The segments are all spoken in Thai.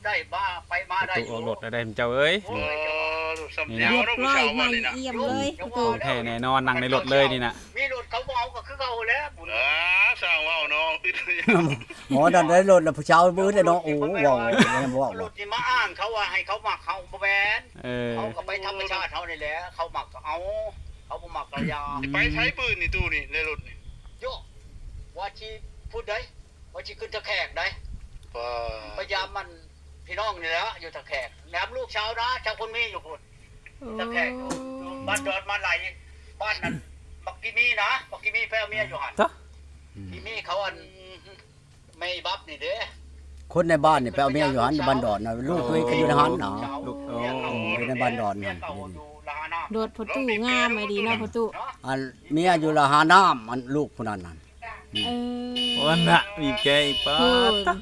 ได้บ้าไปมาได้ตู้ออกรถได้เจ้าเอ้ยสำเนียงเรียบเนาะผู้ร้อยชาวใหม่วันนี้นะเอี่ยมเลยประตูของแท้แน่นอนนั่งในรถเลยนี่น่ะมีรถเขาเอาก็คือเขาแล้วสร้างว่าวเนาะหมอดันได้รถแล้วผู้ชายบื้อได้เนาะโอ้ว้าวยังบ่รว่าถนี่มาอ้างเขาว่าให้เขาหมักเขาบ่แม่นเออเขาก็ไปธรรมชาติเขานี่แหละเขาหมักเอาเขาบ่หมักกระยาไปใช้ปืนนี่ตู้นี่ในรถนี่โยว่าชีพูดได้ว่าชีขึ้นตะแขกได้พยายามมันพี่น้องนี่แหละอยู่ตะแขกแหนมลูกเช้านะชาวคนมีอยู่พุ่นตะแขกอยู่บ้านดอนมาไหลบ้านนั้นบักกิมีนะบักกิมีแพ้เมียอยู่หันกิมีเขาอันไม่บับนี่เด้คนในบ้านนี่ไปเอาเมียอยู่หันบ้านดอนน่ะลูกตัวเองก็อยู่ในหันเนาะลูกโอ้อยู่ในบ้านดอนนั่นโดดประตูงามไม่ดีเนาะประตูอันเมียอยู่ละหาน้ำอันลูกผู้นั้นนั่นเออวันน่ะมีแกอีกป้าคุณตะ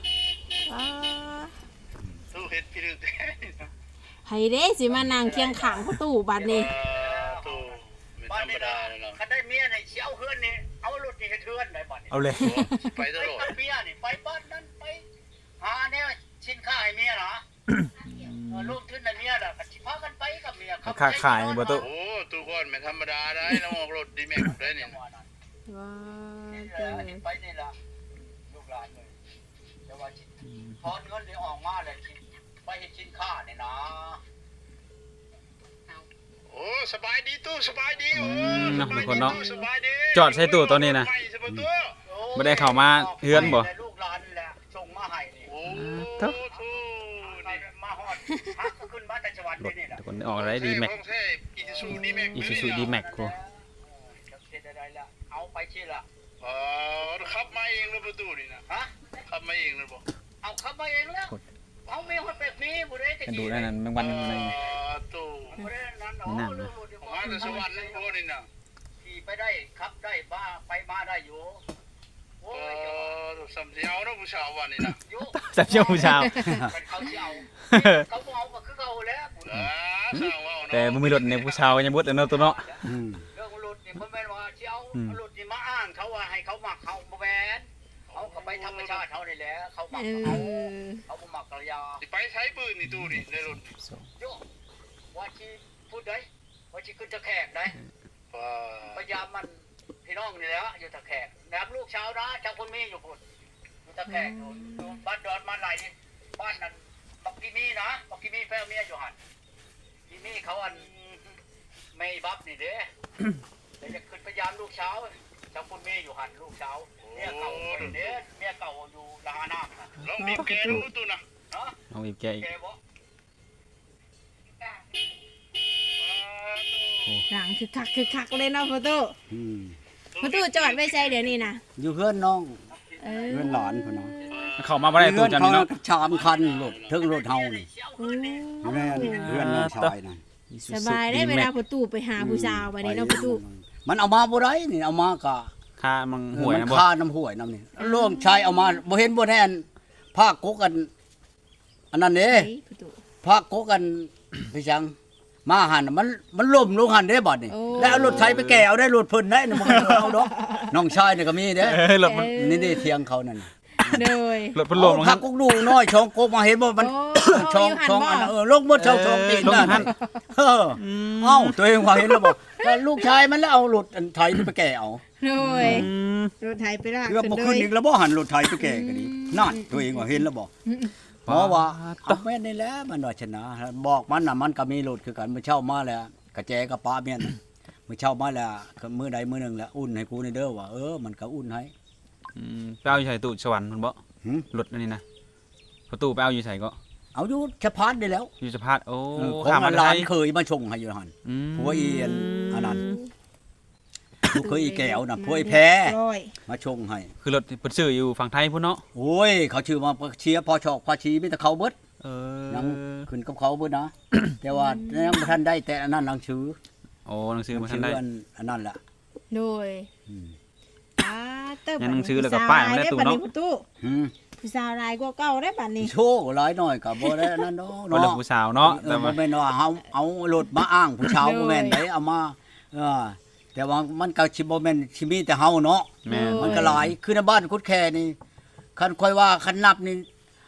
ตู้เฮ็ดพี่ลึกให้เด้สิมานั่งเคียงข้างประตูบัดนี้ตู้ไม่บ้าธนรรมนี่ดานะเลยเนาะคันได้เมียนี่สิเอาเฮือนนี่เอารถนี่ให้เฮือนได้บัดนี่เอาเลยไปตไปลอดกับเมียนี่ไปบ้านนั้นไปหาแนวชิ้นค่าให้เมียนะลูกขึ้นในเมียน่ะก็สิพากันไปกับเมียค่าขายบ่ตู้โอ้ตู้ก่อนไม่ธรรมดาได้เราออกรถดีแม็กได้นี่ว้านี่เจ้าไปนี่ล่ะลูกหลานเลยแต่ว่าถอนเงินนี่ออกมาเลยไปเฮ็ดชิ้นค่านี่นะโอ้สบายดีตู้สบายดีโอ้สบายดีจอดใส่ตู้ตัวนี้นะบ่ได้เข้ามาเฮือนบ่ลูกหลานนี่แหละส่งมาให้นี่โอ้เท่าตู้มาฮอดฮักก็ขึ้นมาแต่จังหวัดรถนี่แหละทุกคนออกอะไรดีแม็กอีซูซูดีแม็กอีซูซูดีแม็กกูจะเฮ็ดอะไรล่ะเอาไปชิล่ะขับมาเองเลยประตูนี่นะฮะขับมาเองเลยบอกเอาเข้ามาเองแล้วเอามีคนเป็ดมีบ่ได้ตะกันกี้ดูได้นั้นแมงวันอะไรตู้บ่ได้นั้นนี่นั่นนะมาแต่สวรรค์นั่นโอ้นี่นะขี่ไปได้ขับได้บ้าไปมาได้อยู่โอ้ยสำเนียงนะผู้ชาววันนี่นะอยู่จับเชี่ยวผู้ชาวเป็นเขาสิเอาเขาบ่เอาก็คือเขาแล้วสร้างว่าวแต่บ่มีรถในผู้ชาวยังบ่ได้เนาะตัวเนาะอืมเรื่องรถนี่บ่แม่นว่าสิเอารถนี่มาอ้างเขาว่าให้เขามักเขาบ่แม่นเขาก็ไปธรรมชาติเขานี่แหละเขามักเอเขาอเขาบ่มักกระยาไปใช้ปืนนี่ตู้นี่ในรถโยว่าชีพูดได้ว่าชีขึ้นตะแขกได้พยายามมันพี่น้องนี่แหละอยู่ตะแขกแหนมลูกเช้านะชาวคนมีอยู่พุ่นอยู่ตะแขกอยู่บ้านดอนมาไหลบ้านนั้นบักกิมีนะบักกิมีแพ้เมียอยู่หันกิมีเขาอันไม่บับนี่เด้แต่จะขึ้นพยายามลูกเช้าชาวคนมีอยู่หันลูกเช้าเมียเก่าเด้เมียเก่าอยู่ละหาน้ำนะลองบีบแกดูตู้นะเนาะเอาอีกแกอีกแกบ่หลังคือคักเลยเนาะประตูอืมประตูจอดไว้ใส่เดี๋ยวนี้นะอยู่เพื่อนน้องเออเพื่อนหลานพุ่นเนาะเข้ามาบ่ได้ตู้จำนี่เนาะชามคันรถถึงรถเฮานี่โอ้แม่นเพื่อนน้องชายนั่นสบายได้เวลาประตูไปหาผู้สาวบัดนี้เนาะประตูมันเอามาบ่ได้นี่เอามาก็ค่ามังหวยมันะนบ่ค่าน้ำห้วยน้ำนี่ร่วมชายเอามาบ่เห็นบ่แน่นภาคกกกัน อันนั้นเด้เฮ้ยประตูภาคกกกัน พี่จังมาหันน่ะมันล่มลงหันเด้บัดนี่โอ้แล้วเอารถไถไปแก่เอาได้รถเพิ่นได้น่ะบ่เอาดอกน้องชายนี่ก็มีเด้รถมันนี่เด้เถียงเขานั่นน่ะโดยรถพัดลมเอาผักกกดูน้อยช่องกกมาเห็นบ่มันโช่องยู่หันช่องบ่อันนั้นลงหมดช่องตีนลงนั่นหันเออเอ้าตัวเองว่าเห็นแล้วบอกแล้วลูกชายมันแล้วเอารถอันไถนี่ไปแก่เอาโดยอืมรถไถไปลากเรื่องบ่ขึ้นอีกแล้วบ่หันรถไถไปแก่ก็ดีนั่นตัวเองว่าเห็นแล้วบ่เพราะว่าเอาแม่นนี่แหละมันว่าชนะบอกมันน่ะมันก็มีรถคือกันมื้อเช้ามาแล้วกระแจกับป้าเมียนน่ะมื้อเช้ามาแล้วมื้อใดมื้อหนึงแล้วอุ่นให้กูนี่เด้อว่ามันก็อุ่นให้ไปเอาอยู่ใส่ตู้สวรรค์มันบ่หึรถอันนี้นะประตูไปเอาอยู่ใส่ก็เอาอยู่สะพานได้แล้วอยู่สะพานโอ้ของข้ามมาหลาไทนยเคยมาชงให้อยู่หั่น ผัวอีอันนั้น ลูกเคยอีแก้วน่ะพวยแพ้ร้อยมาชงให้คือรถเพิ่นซื้ออยู่ฝั่งไทยพุ่นเนาะโอ้ยเขาชื่อมาเชียร์พอชอกพอชีมีแต่เขาเบิดเอยังอขึ้นกับเขาเบิดนะ แต่ว่ายังบ่ทันได้แต่อันนั้นหนังสือโอ้หนังสือมาทัชื่นอได้อันนั้นแหละโดยอืมยังหนังสือแล้วก็ป้ายมาได้ตู้เนาะประตูอืมผู้สาวรายกว่าเก่าได้บัดนี้โชว์หลายหน่อยก็บ่ได้อันนั้นเนาะบ่เลิกผู้สาวเนาะแต่แต่บ่ว่าแม่นว่าเอารถมาอ้างผู้ชาวบ่แม่นได้เอามาแต่ว่ามันก็สิบ่แม่นสิมีแต่เฮาเนาะแม่นมันก็หลายคือในบ้านคุดแค่นี่คันค่อยว่าคันนับนี่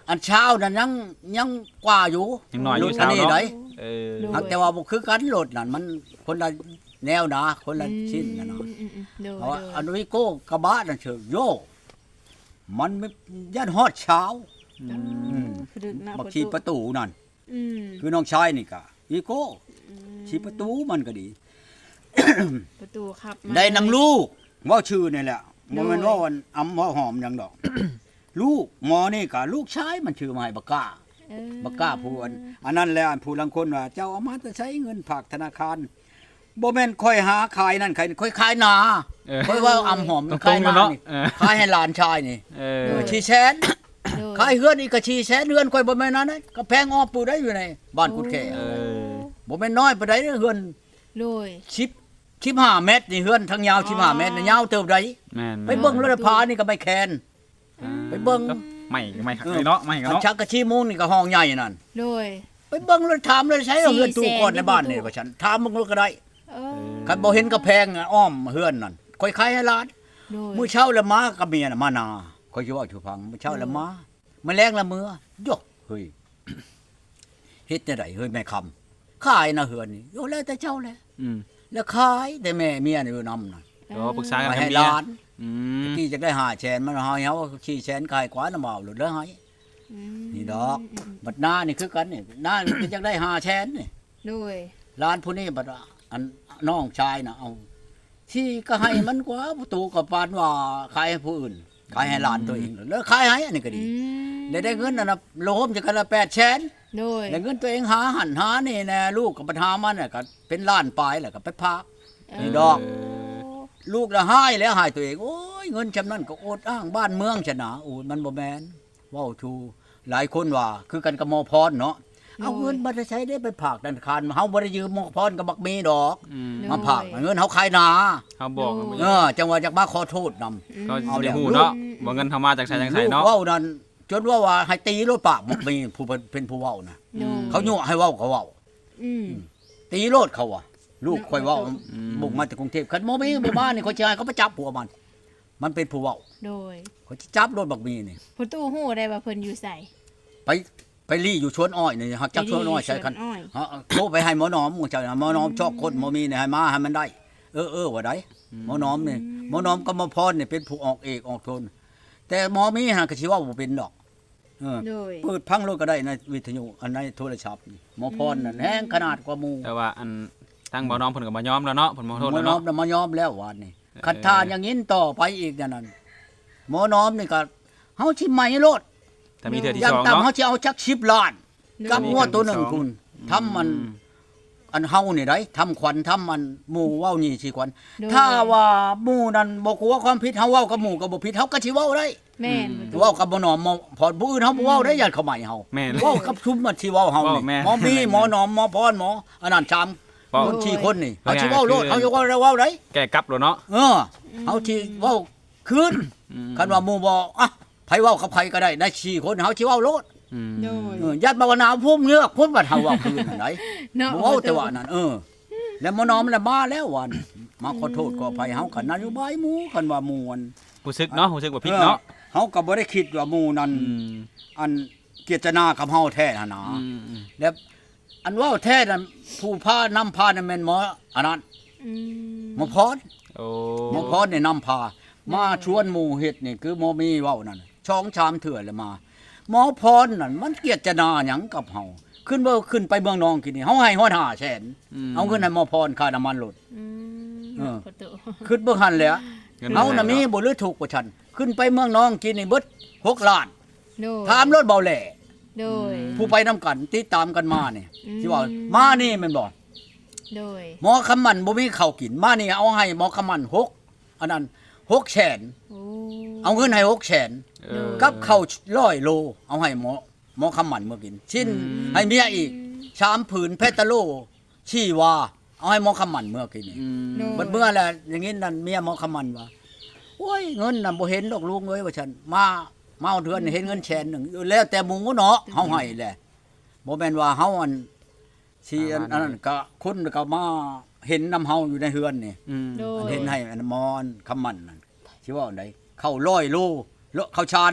อันเช้านั่นยังกว่าอยู่ยังน้อยอยู่รถเช้านี้เนาะได้เออหากแต่ว่าบ่คือกันรถนั่นมันคนละแนวนะคนละชิ้นนะเนาะโดยเพราะว่าอันวิโก้กระบะนั่นเชิงโยมันไม่ยันฮอดเช้าๆบักชีประตูนั่นอืมคือน้องชายนี่ก็วิโก้ชีประตูมันก็ดีประตูครับได้นำลูกว่าชื่อนี่แหละโดบ่ยแม่นว่าวันอำว่าหอมหยังดอก ลูกหมอนี่ก็ลูกชายมันชื่อมาให้บักกล้า บักกล้าผู้อันนั้นแหละผู้ลังคนว่าเจ้าเอามาจะใช้เงินฝากธนาคารบ่แม่นค่อยหาขายนั่นค่อยขายนาเออค่อยว่าอำหอมตรงๆขายนาเนาะนี่เออขายให้หลานชายนี่เออชีแสนโดยขายเฮือนอีกก็ชีแสนเฮือนค่อยบ่แม่นนั้นนะก็แพงอ้อปูได้อยู่ในบ้านกุดแขเออบ่แม่นน้อยปานใดเด้อเฮือนโดย 15 เมตรนี่เฮือนทั้งยาว15 เมตรนี่ยาวเติบใดแม่นไปเบิ่งรถพานี่ก็ไม่แคน ไปเบิ่งไม่คักเลยเนาะไม่กันอันเนาะชักกะชีมุงนี่ก็ห้องใหญ่นั่นโดยไปเบิ่งรถถามเลยใช้เอาเฮือนตู้ก่อน 400,000 ในบ้านนี่ว่าฉันถามมึงก็ได้เออคันบ่เห็นกระแพงอะอ้อมเฮือนนั่นค่อยขายให้หลานโดยมื้อเช้าละมากับเมียน่ะมานาค่อยสิเว่าให้ฟังมื้อเช้าละมามื้อแลงละมื้อยกเฮ้ยเฮ็ดจังไดเฮ้ยแม่คำขายนะเฮือนนี่โยแล้วแต่เจ้าแหละอืมแล้วขายแต่แม่เมียนี่อยู่นำน่ะก็ปรึกษากันไปกับให้เมีหยลานอืมที่จะได้5แสนมันเฮาเฮาขี้แสนขายกว่าน่ะมาเอาหลุดแล้วให้อืมนี่ดอกบัดหน้านี่คือกันนี่หน้านี่จะได้5แสนนี่โดยร้านผู้นี้บัดอันน้องชายน่ะเอาที่ก็ให้มันกว่าประตูก็ปานว่าขายให้ผู้อื่นขายให้หลานตัวเองแล้วขายให้อันนี้ก็อืดีมได้เงินน่ะนะโลมจะกันละ8แสนโดยได้เงินตัวเองหาหันหานี่แน่ลูกกับปัญหามันน่ะก็เป็นล้านปลายแหละก็ไปพัก นี่ดอก ลูกละหายแล้วหายตัวเองโอ้ยเงินจำนั้นก็อดอ้างบ้านเมืองชนะโอ้ยมันบ่แม่นเว้าทูหลายคนว่าคือกันกับหมอพรเนาะเอาเงินมาใช้ได้ไปฝากธนาคารเฮาบ่ได้ยืมหมอพรกับบักมีดอกอืมมาฝากเงินเฮาขายนาเขาบอกกันจังหวะจากมาขอโทษนำก็เอาสิเดี๋ได้ยวฮู้เนาะว่าเงินเข้ามาจากไสจังไสลูกเนาะเว้านั่นจนว่าให้ตีรถปากบักมีผู้เป็นผู้เว้านะโดยเขายั่วให้เว้าก็เว้าอืมตีรถเขาว่ะลูกค่อยเว้าบุกมาจากกรุงเทพคันบ่มีบ่มานี่เขาสิให้เขาไปจับผัวมัน มันเป็นผู้เว้าโดยเขาสิจับรถบักมีนี่ผู้ตู้ฮู้ได้ว่าเพิ่นอยู่ไสไปลี่อยู่ชวนอ้อยนี่ฮักจักชวนอ้อยใช่คันชวนอ้อยฮะโทรไปให้หมอหนอมมึงเจ้าหมอหนอมชอบคนหมอมีนี่ให้มาให้มันได้ ว่าได้หมอหนอมนี่หมอหนอมกับหมอพรนี่เป็นผู้ออกเอกออกโทนแต่หมอมีหาก็สิว่าบ่เป็นดอกเออโดยเปิดพังรถก็ได้ในวิทยุอันในโทรศัพท์นี่หมอพรนั่นแฮงขนาดกว่าหมู่แต่ว่าอันทางบ่น้องเพิ่นก็บ่ยอมแล้วเนาะเพิ่นบ่หโทษมอแล้วหนอเนาะมน่ะมายอมแล้ววันนี้คันทานอย่างนี้ต่อไปอีกอย่างนั้นหมอหนอมนี่ก็เฮาสิใหม่รถถ้ามีเทื่อที่อย่างสองต่ำเนาะเฮาสิเอาจัก10ล้านกับงัวตัวหนึงคุณทำมัน อันเฮานี่ได้ทำขวัญทำมันหมู่เว้านี่สิขวัญโดยถ้าว่าหมู่นั้นบ่กลัวความผิดเฮาเว้ากับหมู่ก็บ่ผิดเฮาก็สิเว้าได้แม่นประตูเว้ากับบ่หนอมพอผู้อื่นเฮาบ่เว้าได้ญาติเขาใหม่เฮาแม่นเว้ากับชุมมันสิเว้าเฮานี่เว้าแม่หมอมีแม่นหมอหนอมหมอพรหมออันนั้นจำเว้าคน4คนนี่เว้าเฮาสิเว้าโลดคือเฮาจะเว้าได้เว้าได้แก้กลับแล้วเนาะเฮาสิเว้าคืนอืมคันว่าหมู่บ่อ่ะไผเว้ากับไผก็ได้ได้4คนเฮาสิเว้าโลดอืมโดยญาติบ่าวนาภูมิเงือกพุ่นว่าเฮาเว้าคืนนั่นไดเนาะบ่เว้าแต่ว่านั่นแล้วหมอน้อมน่ะมาแล้ววันมาขอโทษขออภัยเฮากันนโยบายหมู่กันว่าหมู่อันรู้สึกเนาะรู้สึกว่าผิดเนาะเฮาก็บ่ได้คิดว่าหมู่นั้นอืมอันเจตนากับเฮาแท้หั่นนะอืมแล้วอันเว้าแท้นั้นผู้พานำพานั่นแม่นหมออันนั้นอืมหมอพรโอ้หมอพรนี่นำพามาชวนหมู่เฮ็ดนี่คือหมอมีเว้านั่นช่องชามเถื่อแล้วมาหมอพรนั่นมันเกียรตินาหยังกับเฮาขึ้นไปเมืองนองกินนี่เฮาให้ฮอด5แสนเอาเงินให้หมอพรค่าน้ำมันรถอืมเออประตูขึ้นเบิ่งหันแหล้วงินเอาน่ะมีแพงบ่หรือถูกกว่าฉัน ขึ้นไปเมืองน้องกินนี่เบิด6ล้านโดยถามรถเบาแหล่โดยผู้ไปนํกันติดตามกันมานี่อืมที่ว่ามานี่แม่นบ่โดยหมอคำมันบ่มีข้าวกินมานี่เอาให้หมอคำมัน6อันนั้น6แสนโอ้เอาเงินให้6แสนเออกับข้าว100โลเอาให้หมอคำมันเมื่อกินชิ้นให้เมียอีก3ผืนเพชรตะโลชีวาเอาให้หมอคำมันเมื่อกินนี่อืมโดยบัดเมื่อแหละอย่างงี้นั่นเมียหมอคำมันว่าโอ้ยเงินน่ะบ่เห็นดอกลุงเอ้ยว่าฉันมาเอาเดือนเห็นเงินแสนหนึงแล้วแต่หมู่เนาะเฮาให้แหละบ่แม่นว่าเฮาอันสิอันนั้นก็คนก็มาเห็นนำเฮาอยู่ในเฮือนนี่อืมโดอันยเห็นให้อันมอนคำมันนั่นสิว่าอันใดเข้า100โลเข้าชานได้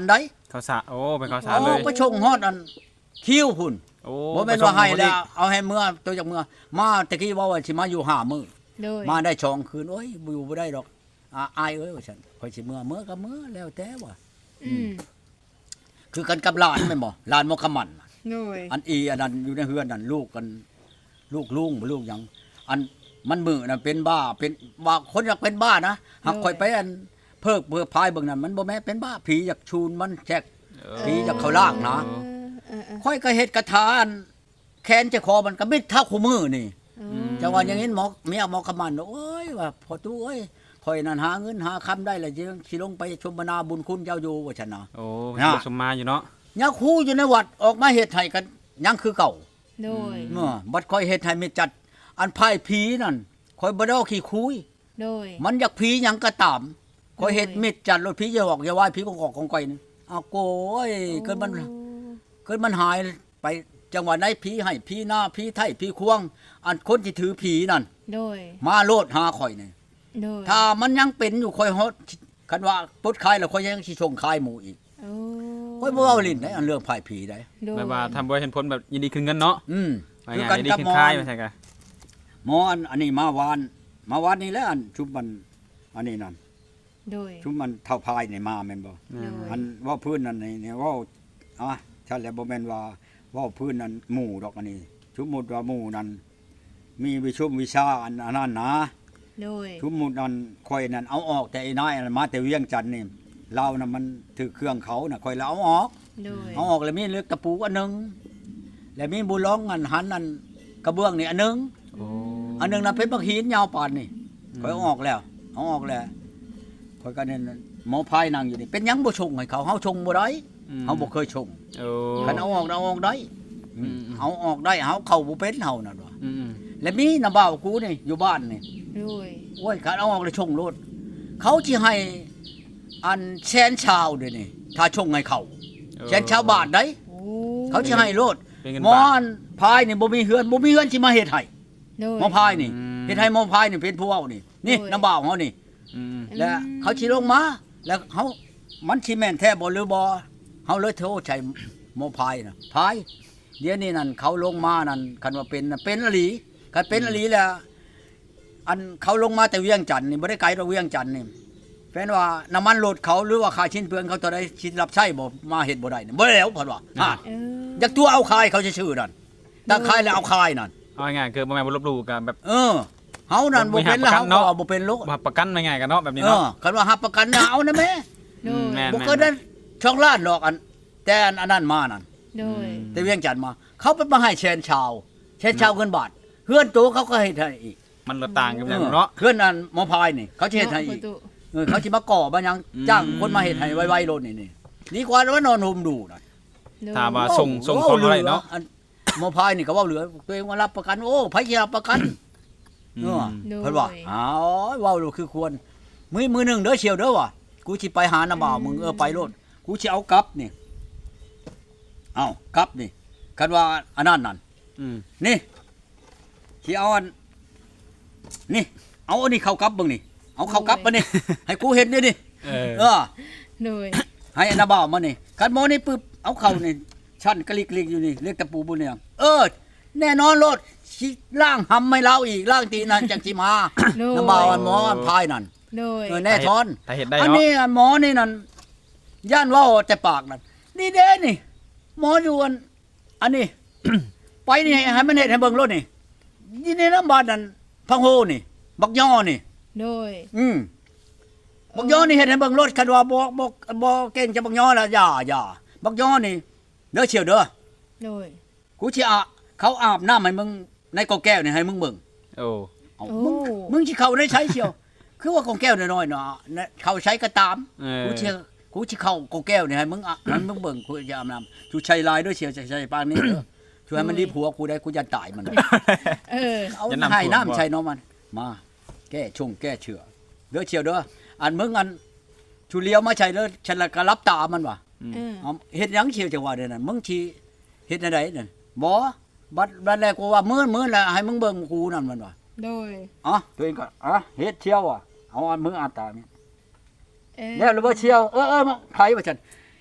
ข้าวสารโอ้เป็นข้าวสารโอ้เลยก็ชงฮอดอันคิ้วพุ่นโอ้บ่แม่นว่าให้แล้วเอาให้เมื่อตัวจากเมื่อมาตะกี้ว่าสิมาอยู่5มื้อโดยมาได้2คืนโอ้ยอยู่บ่ได้ดอกอายเอ้ยว่าซั่นข่อยสิเมื่อก็เมื่อแล้วแต่ว่าอืมคือกันกับหลานแม่นบ่หลานมอคำมันโดยอันอีอันนั้นอยู่ในเฮือนนั่นลูกกันลูกลุงบ่ลูกหยังอันมันมือน่ะเป็นบ้าเป็นว่าคนอยากเป็นบ้านะหากข่อยไปอันเพิกเพื่อพายเบิ่งนั่นมันบ่แม่นเป็นบ้าผีอยากชูนมันแจก ผีจะเข้าร่างนะ ค่อยก็เฮ็ดกระทาอันแขนจะคอมันก็มิดเท่าคู่มือนี่จังว่าอย่างนี้หมอเมียหมอคำมันโอ้ยว่าพอตู้เอ้ยข่อยนั่นหาเงินหาคำได้แล้วสิลงไปชมนาบุญคุณเจ้าอยู่ว่าซั่นน่ะโอ้นะสมมาอยู่เนาะยังครูอยู่ในวัดออกมาเฮ็ดให้กันยังคือเก่าโดยเมื่อบัดค่อยเฮ็ดให้มีจัดอันพายผีนั่นค่อยบ่ได้เอาขี้คุยโดยมันอยากผีหยังก็ตามค่อยเฮ็ดมิดจัดรถผีอย่าออกอย่าว่าผีกอกของก่อยนี่เอาโกยเกิดมันหายไปจังหวะไหนผีให้ผีหน้าผีไทยผีควงอันคนที่ถือผีนั่นโดยมาโลดหาข่อยนี่โดยถ้ามันยังเป็นอยู่ข่อยฮอดคันว่าปลดคายแล้วข่อยยังสิส่งคายหมู่อีกโอ้ข่อยบ่เอาลิ้นได้อันเรื่องพายผีได้โดยแบบว่าทำบ่เห็นผลแบบยินดีคืนเงินเนาะคือว่ากัไงนยินดีกับคืนหมอค่ายมาใช่กะหมออันนี้มาวานนี่แหล้วอันชุบมันอันนี้นั่นโดยชุบมันเท่าพายนี่มาแม่นบ่โดยอันว่าพื้นนั่นนี่ว่าฉันแล้วบ่แม่นว่าพื้นนั้นหมู่ดอกอันนี้สมมุติว่าหมู่นั้นมีวิชุมวิชาอันนั้นนะโดยสมมุตินั้นข่อยนั้นเอาออกแต่ไอ้นายอันมาแต่เวียงจันทน์นี่เราน่ะมันถือเครื่องเขาน่ะข่อยแล้วเอาออกโดยเอาออกแล้วมีเลือกตะปูอันหนึงแล้วมีบุร้องอันหันอันกระเบื้องนี่อันหนึงโอ้อันหนึงน่ะเป็นบักหินยาวปานนี่ข่อยเอาออกแล้วเอาออกแล้วข่อยก็นั่นหมอพายนั่งอยู่นี่เป็นหยังบ่ชงให้เขาเฮาชงบ่ได้เฮาบ่เคยชงโอ้คันเอาออกได้เอาออกได้เฮาเข้าบ่เป็นเฮานั่นว่าอืมแล้วมีน้าบ่าวกูนี่อยู่บ้านนี่โดยโอ้ยคันเอาออกแล้วชงโลดเขาสิให้อันแสนชาวเด้นี่ถ้าชงให้เขาแสนชาวบาทได้โอ้เขาสิให้โลดเป็นเงินหมอบาทอันพายนี่บ่มีเฮือนสิมาเฮ็ดให้โดยหมอพายนี่อืมเฮ็ดให้หมอพายนี่เป็นผู้เว้านี่นี่โอ้ยน้าบ่าวเฮานี่อืมแล้วเขาสิลงมาแล้วเขามันสิแม่นแท้บ่หรือบ่เฮาเลยโทรใช้หมอพายน่ะพายเดี๋ยวนี้นั่นเขาลงมานั่นคันว่าเป็นน่ะเป็นอหลีคันเป็นอหลีแล้วอันเขาลงมาแต่เวียงจันทน์นี่บ่ได้ไกลจากเวียงจันทน์นี่แฟนว่าน้ำมันรถเขาหรือว่าค่าชิ้นเปลืองเขาตัวใดชิ้นรับใช้บ่มาเฮ็ดบ่ได้นี่บ่แล้วเพิ่นว่าฮะเอออยากตัวเอาคายเขาชื่อๆนั่นถ้าคายแล้วเอาคายนั่นเอาง่ายๆคือบ่แม่นบ่ลบหลู่กันแบบเฮานั่นบ่เป็นแล้วบ่มีหักประกันเนาะเฮาก็บ่เป็นโลกบ่ประกันง่ายๆกันเนาะแบบนี้เนาะคันว่าหับประกันน่ะเอานะแม่โดยแม่นบ่เคยได้ช่องล้านดอกอันแต่อันนั้นมานั่นโดยแต่เวียงจันทน์มา เขาเป็นมาให้แชนชาวเงินบาทเฮือนตัวเขาก็ให้ให้อีกมันละต่างกันอย่างเนาะเฮือนนั้นหมอพายนี่เขาสิเฮ็ดให้อีกเนาะเขาสิมาก่อบ่ยังอืมจ้างคนมาเฮ็ดให้ไวๆโลดนี่ดีกว่าว่านอนห่มดูน่ะโดยถามว่าส่งของอะไรเนาะอัหมอพายนี่ก็เว้าเหลือตัวเองว่ารับประกันโอ้ไผสิรับประกันเนาะโดยเพิ่นว่าอ๋อเว้าดูคือควรมือหนึงเด้อเชียวเด้อว่ะกูสิไปหาน้าบ่าวมึงไปโลดกูสิเอากลับนี่เอากลับนี่คันว่าอันนั้นนั่นอืมนี่ที่เอาอันนี่เอาอันนี้เข้ากลับเบิ่งนี่เอาเข้ากลับมานี่ ให้กูเห็นนี่นี่เออเออโดยให้อันนาบ่าวมานี่คันหมอนี่ปึ๊บเอาเข้านี่ชั้นกะลิกๆอยู่นี่เรียกตะปูบุญเนี่ยแน่นอนโลดสิล่างหำไม่เล่าอีกล่างตีนั่นจังสิมาโดยน้าบ่าวอันหมออันพายนั่นโดยแน่ทอนถ้าเห็นได้อันเนาะนี้อันหมอนี่นั่นย่านเว้าแต่ปากนั่นนี่เด้นี่ หมออยู่อันนี้ ไปนี่ให้มันเฮ็ดให้เบิ่งรถนี่นี่น้ำบาดนั่นพังโฮนี่บักย่อนี่โดยบักย่อนี่เฮ็ดให้เบิ่งรถคันว่าบ่เก่งจะบักย่อแล้วอย่าบักย่อนี่เด้อเชียวเด้อโดยกูสิเขาอาบน้ำให้มึงในกอแก้วนี่ให้มึงเบิ่งโอ้เอาโอ้มึงสิเข้าได้ใช้เชียว คือว่ากอแก้วน้อยๆเนาะเขาใช้ก็ตามเออกูสิเข้ากอแก้วนี่ให้มึงให้มึงเบิ่งกูจะอาบน้ำชูใช้ลายด้วยเชียวใช้ปานนี้เด้อช่วยให้มันดีผัวกูได้กูจะตายมันเออเอาให้น้ำใช้น้องมันมาแก้ชงแก้เชื้อเด้อเชียวเด้ออันมึงอันชูเลี้ยวมาใช้เด้อฉันละก็รับตามันว่ะเออเอาเฮ็ดหยังเชียวจังว่าเด้อนั่นมึงสิเฮ็ดจังไดนั่นบ่บัดแรกกูว่ามื้อแล้วให้มึงเบิ่งกูนั่นมันว่ะโดยตัวเองก็เฮ็ดเชียวอ่ะเอาอันมึงอาตานี่เออแล้วหรือบ่เชียวมาไผว่าซั่น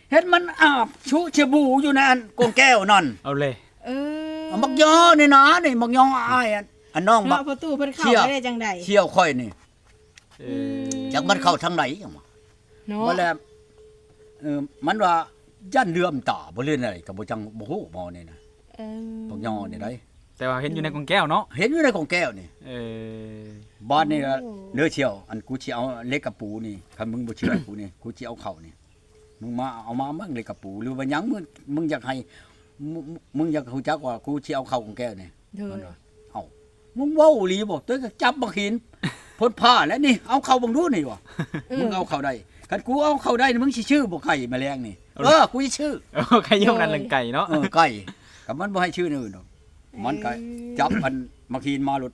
เห็นมันอาบชุเชบูอยู่ในอันกงแก้วนั่นเอาเลยเออเอามักยอนี่นะนี่มักยออ้ายอันน้องบัเนาะกประตูเพิ่นเข้าเชี่ยไปได้จังได๋เชี่ยวค่อยนี่เออจักมันเข้าทางไหนจังวะเนาะบ่แล้วมันว่าย่านเลื่อมตาบ่เล่นอะไรก็บ่จังบ่ฮู้หมอนี่นะเออมักยอนี่ได้แต่ว่าเห็นอยู่ในกล่องแก้วเนาะเห็นอยู่ในกงแก้วนี่เออบ้านนี่เลือเชี่ยวอันกูสิเอาเล็กกับปูนี่คันมึงบ่เชื่อกูนี่กูสิเอาเข้านี่มึงมาเอามามั่งเล็กกับปูหรือว่าหยังมึงอยากให้มึงอยากฮู้จักว่ากูสิเอาเข้ากงแก้วนี่เด้อมันว่าเอ้ามึงเว้าอีหลีบ่ตัวก็จับบักหินพ่นผ้าแล้วนี่เอาเข้าบังดูนี่ว่ะมึงเอาเข้าได้คันกูเอาเข้าได้นี่มึงสิชื่อบ่ไก่แมลงนี่กูสิชื่อใครเยี่ยมนั่นเรื่องไก่เนาะไก่กับมันบ่ให้ชื่ออื่นดอกมันก็จับอันบักหินมาหลุด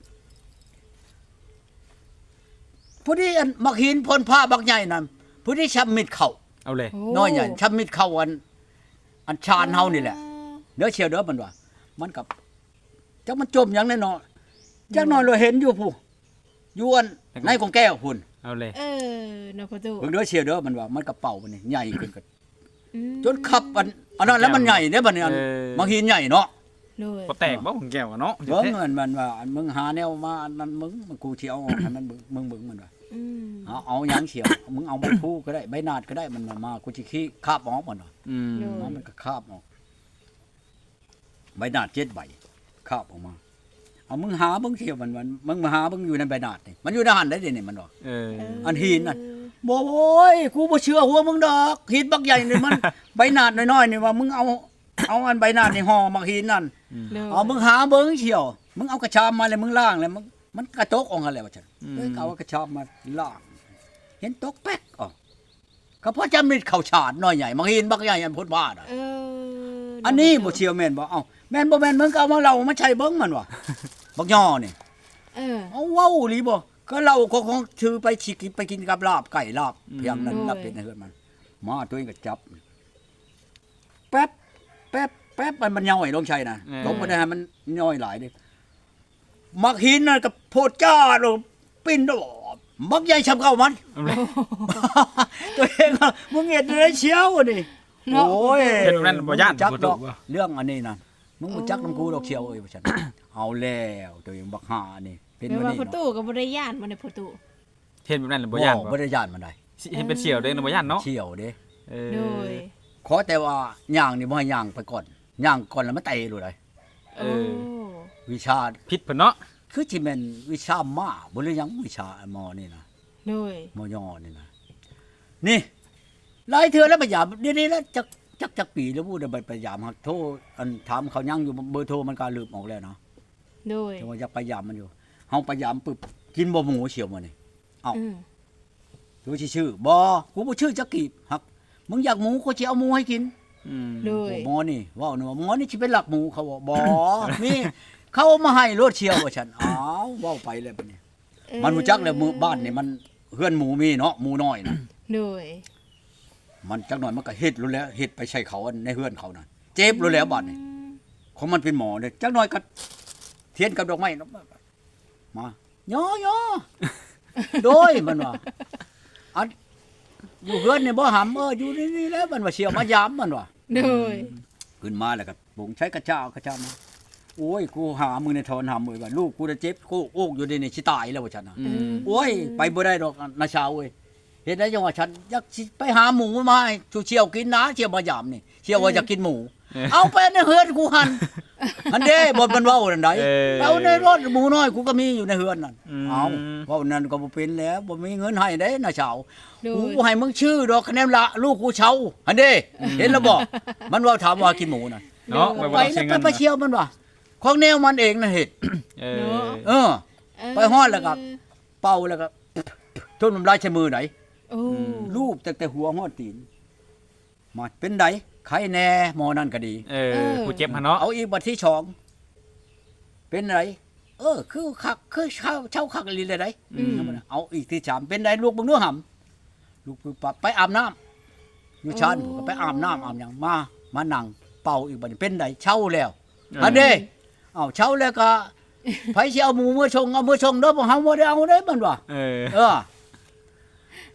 ผู้ที่อันบักหินพ่นผ้าบักใหญ่นั่นผู้ที่ชับมิดเข้าเอาเลยโอ้น้อยใหญ่ชับมิดเข้าอันชานเฮานี่แหละเด้อเชียวเด้อมันว่ามันกับจักมันจมหยังแน่นอนจักหน่อยเราเห็นอยู่ผู้อยู่อันในของแก้วพุ่นเอาเลยเออเนาะประตูเบิ่งเด้อเชียวเด้อมันว่ามันกระเป๋ามันนี่ใหญ่ขึ้นก็อืมจนขับอันนั้นแล้วมันใหญ่เด้อบัดนี้อันบางหินใหญ่เนาะโดยบ่แตกบ่ของแก้วอะเนาะเบิ่งมันว่าอันมึงหาแนวมาอันนั้นมึงกูสิเอาออกให้มันมึงมันว่าอืมเอาหยังเฉียวมึงเอาใบพูก็ได้ใบนาดก็ได้มันมากูสิขี้คาบออกมันว่าอืมมันก็คาบออกใบนาด7ใบคาบออกมาเอามึงหาเบิ่งเฉียวมันมึงมาหาเบิ่งอยู่ในใบนาดนี่มันอยู่ในหันได้ดินี่มันว่าเอออันหินน่ะบ่โอ้ยกูบ่เชื่อหัวมึงดอกหินบักใหญ่นี่มัน ใบนาดน้อยๆนี่ว่ามึงเอาอันใบนาดนี่ห่อมักหินนั่นโดยเอามึงหาเบิ่งเฉียวมึงเอากระชามมาเลยมึงล้างเลยมันกระตกออกกันแล้วว่าซั่นเอ้ยเอากระชามมาล้างเห็นตกแป๊กออกก็เพราะจำมิดเข้าฉาดน้อยใหญ่มักหินบักใหญ่อันพ้นบ้าน่ะเอออันนี้บ่เชียวแม่นบ่เอ้าแม่นบ่แม่นมึงก็เอามาเล่ามาใช้เบิ่งมันว่ะบักย่อนี่เออเอาเว้าอีหลีบ่ก็เราก็คงถือไปฉีกไปกินกับลาบไก่ลาบเพียงนั้นลาบเป็ดในเฮือนมันมาตัวเองก็จับแป๊บมันย่อยลงชัยนะลงบ่ได้ให้มันย่อยหลายเด้มักหินน่ะกับโพดจ้าโลปิ้นดอกมักใหญ่ชำเข้ามันเอาเลยตัวเองอะมึงเห็นได้เชียวนี่โอ้ยเห็นนั่นบ่ย่านจักบ่ดถูอกกบ่เรื่องอันนี้นะมึงบ่จักน้ำกูดอกเชียวเอ้ยว่าฉัน เอาแล้วตัวเองบักหานี่เป็นแปลวันว่านี้ประตูเนาะก็บ่ได้ย่านบ่ได้ประตูเห็นแบบนั้นบ่ย่านบ่บ่ได้ย่านมันได้เห็นเป็นเสี่ยวเด้อบ่ย่านเนาะเชียวเด้เอโดอยขอแต่ว่าย่างนี่บ่ให้ย่างไปก่อนย่างก่อนแล้วมันเตะรู้ได้เอโอ้อวิชาผิดเพิ่นเนาะคือสิแม่นวิชามาบ่หรือยังวิชาหมอนี่นะโดยหมอยอนี่นะนี่หลายเทื่อแล้วพยายามนี่แล้วจักปีแล้วพูดได้พยายามหักโทรอันถามเขายังอยู่เบอร์โทรมันก็ลืมออกแล้วเนาะโดยแต่ว่าอยากพยายามมันอยู่เฮาพยายามปึ๊บกินบ่หมูเฉียวมานี่ เอ้าอืมดูชื่อบ่กูบ่ชื่อจักกีบหักมึงอยากหมูกูสิเอาหมูให้กินอืมโดยหมอนี่เว้านี่ว่าหมอนี่สิเป็นหลักหมูเขาบอกบ่ นี่เขาเอามาให้รถเชียวว่าฉันอ้าวเว้าไปเลยบัดนี้ มันรู้จักแล้วหมู่บ้านนี่มันเฮือนหมูมีเนาะหมูน้อยน่ะโดยมันจักหน่อยมันก็เฮ็ดรู้แล้วเฮ็ดไปใช้เขาอันในเฮือนเขาน่ะเจ็บรู้แล้วบัดนี้ของมันเป็นหมอเนี่ยจักหน่อยก็เทียนกับดอกไม้เนาะมาย่อโดยมันว่าอันอยู่เฮือนนี่บ่หำอยู่นี่แล้วมันว่าเชียวมายามมันว่าโดยขึ้นมาแล้วก็บุงใช้กระเจ้ามาโอ้ยกูหามึงในทอนหามือว่าลูกกูจะเจ็บกูโอกอยู่ในนี่สิตายแล้วว่าฉันน่ะอืมโอ้ยไปบ่ได้ดอกนาชาวเว้ยเฮ็ดได้จังว่าฉันอยากสิไปหาหมูมาให้ชูเชียวกินนะเชียวมายามนี่เชียวว่าอยากกินหมู เอาไปในเฮือนกูหั่นอันเด้บ่มันเว้านั่นไดแล้วในรถหมูน้อยกูก็มีอยู่ในเฮือนนั่นเอาเว้านั่นก็บ่เป็นแล้วบ่มีเงินให้เด้นาชาวโดยกูให้มึงชื่อดอกคะแนนละลูกกูเช่าอันเด้เห็นแล้วบ่มันว่าถามว่ากินหมูน่ะเนาะไปแล้วไปเชียวมันว่าของแนวมันเองน่ะเฮ็ดเอเนาะอไปฮอดแล้วก็ เป่าแล้วก็ทุ่นน้ำลายใช้มือไหนโอ้รูปแต่หัวฮอดตีนมาเป็นไดไข้แน่หมอนั่นก็ดีเออผู้เจ็บหั่นเนาะเอาอีกบัดที่สองเป็นไรคือคักคือเช่าคักลีเลยไดอืมเอาอีกที่สามเป็นไรลูกมึงเนื้อหำลูกปไปอาบน้ำอยู่ชั้นก็ไปอาบน้ำอาบหยังมานั่งเป่าอีกบัดนี้เป็นไดเช่าแล้วอันนี้เอาเช่าแล้วก็ไผสิเอาหมูเมื่อชงเด้อบ่เฮาบ่ได้เอาเด้มันว่าเออเออ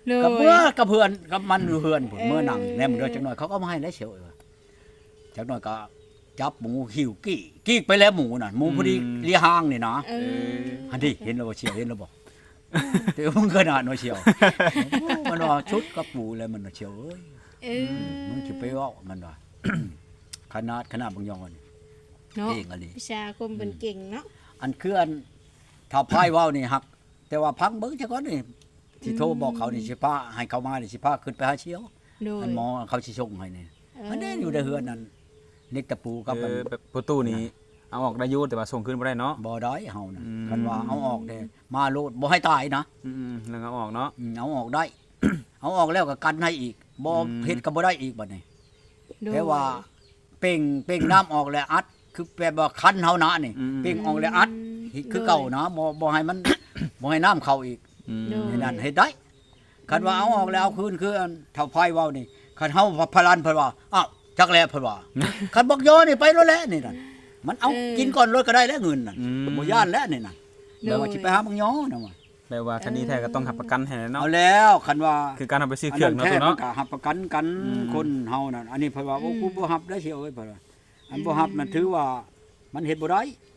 โดกับยเมื่อกับเพื่อนกับมันเพื่อนผมเมื่อนั่งแนมเด้อจักหน่อยเขาก็มาให้แล้วเชียวจักหน่อยก็จับหมูหิวกี้ไปแล้วหมูน่ะหมูพอดีเลียห้างนี่นะเอออันนี้เห็นแล้วบ่เชียวเห็นแล้วบ่เดี๋ยวมึงขนาดน้อยเชียวมันว่าชุดกับปูแล้วมันว่าเชียวเอ้ยเออมึงสิไปเว้ามันว่า ขนาดบางยองนี่เนาะเองอันนี้วิชาคมเป็นเก่งเนาะอันคืออันถ้าพายเว้านี่ฮัก แต่ว่าพังเบิ่งซะก่อนนี่ที่โทรบอกเขานี่สิพาให้เขามานี่สิพาขึ้นไปหาเชียวโดยอันหมอเขาสิส่งให้นี่อันนี้อยู่ในเฮือนนั่นเล็กตะปูกับมันแบบประตูนี้เอาออกได้อยู่แต่ว่าส่งขึ้นบ่ได้เนาะบ่ได้เฮานะอืมคันว่าเอาออกเด้มาโลดบ่ให้ตายนะแล้วเอาออกเนาะเอาออกได้ เอาออกแล้วก็กันให้อีกบ่อืมเฮ็ดก็บ่ได้อีกบัดนี้โดยแต่ว่าเป่งน้ำออกแล้วอัด คือแปลว่าคันเฮานะนี่เป่งออกแล้วอัดคือเก่านะบ่ให้มัน บ่ให้น้ำเข้าอีกโดยนี่นั่นเฮ็ดได้คันว่าเอาออกแล้วเอาคืนคืออันเท่าไผเว้านี่คันเฮาพลันเพิ่นว่าอ้าวจักแลเพิ่นว่า คันบอกโยนี่ไปแล้วแหละนี่นั่นมันเอากินก่อนรถก็ได้แล้วเงินนั่นบ่ย่านแล้วนี่นั่นแล้วว่าสิไปหาบักยอนะว่าแปลว่าคดีแท้ก็ต้องหับประกันให้เนาะเอาแล้วคันว่าคือการเอาไปซื้อเครื่องเนาะตัวมัเนาะก็หับประกันกันอืมคนเฮานั่นอันนี้เพิ่นว่าโอ้กูบ่หับได้เชียวเอ้ยเพิ่นว่าอันบ่หับนั่นถือว่ามันเฮ็ดบ่ได้